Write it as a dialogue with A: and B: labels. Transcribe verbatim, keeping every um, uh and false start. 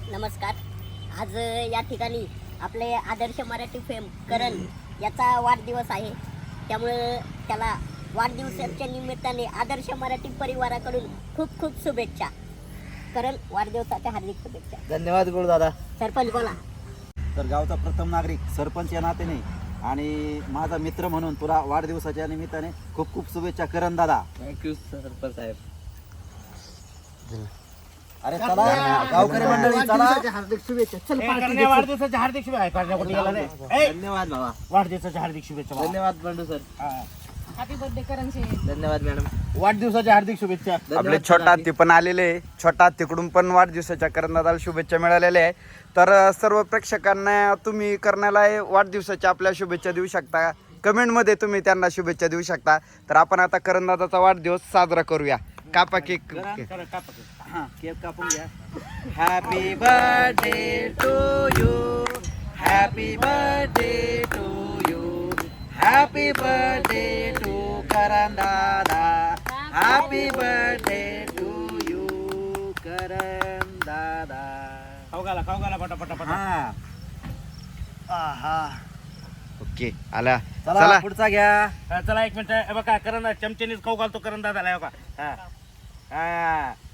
A: नमस्कार. आज या ठिकाणी आपले आदर्श मराठी फेम करण याचा वाढदिवस आहे. त्यामुळे त्याला वाढदिवसाच्या निमित्ताने आदर्श मराठी परिवाराकडून खूप खूप शुभेच्छा. करण, वाढदिवसाच्या हार्दिक शुभेच्छा.
B: धन्यवाद गुरु दादा.
A: सरपंच बोला.
C: तर गावचा प्रथम नागरिक सरपंच या नात्याने आणि माझा मित्र म्हणून तुला वाढदिवसाच्या निमित्ताने खूप खूप शुभेच्छा करण दादा.
B: थँक्यू सरपंच साहेब.
C: अरे चला गावकरी मंडळी चला.
D: हार्दिक शुभेच्छा. चल
E: वाढदिवसाच्या हार्दिक शुभेच्छा.
C: धन्यवाद बाबा.
E: वाढदिवसाच्या हार्दिक शुभेच्छा.
B: धन्यवाद Bandu sir.
F: Happy birthday Karan शेठ.
B: धन्यवाद मॅडम.
E: वाढदिवसाच्या हार्दिक शुभेच्छा.
G: आपले छोटा हत्ती पण आलेले आहे. छोटा हत्तीकडून पण वाढदिवसाच्या करण्याला शुभेच्छा मिळालेल्या आहे. तर सर्व प्रेक्षकांना तुम्ही करण्याला वाढदिवसाच्या आपल्या शुभेच्छा देऊ शकता. कमेंटमध्ये तुम्ही त्यांना शुभेच्छा देऊ शकता. तर आपण आता करणदादाचा वाढदिवस साजरा करूया. कापा केक.
C: हा, केक कापून घ्या. Happy birthday to you. Happy birthday to you. Happy birthday to Karan दादा. Happy birthday to you Karan दादा.
E: खाऊ घाला खाऊ घाला पटा पटा पटा.
C: हा
G: ओके आला.
C: चला
G: चला
C: पुढचा घ्या.
E: हा, चला एक मिनिट. हे बघा करण चमचेनीच खाऊ घालतो करण दादाला. हे बघा. हा
C: हा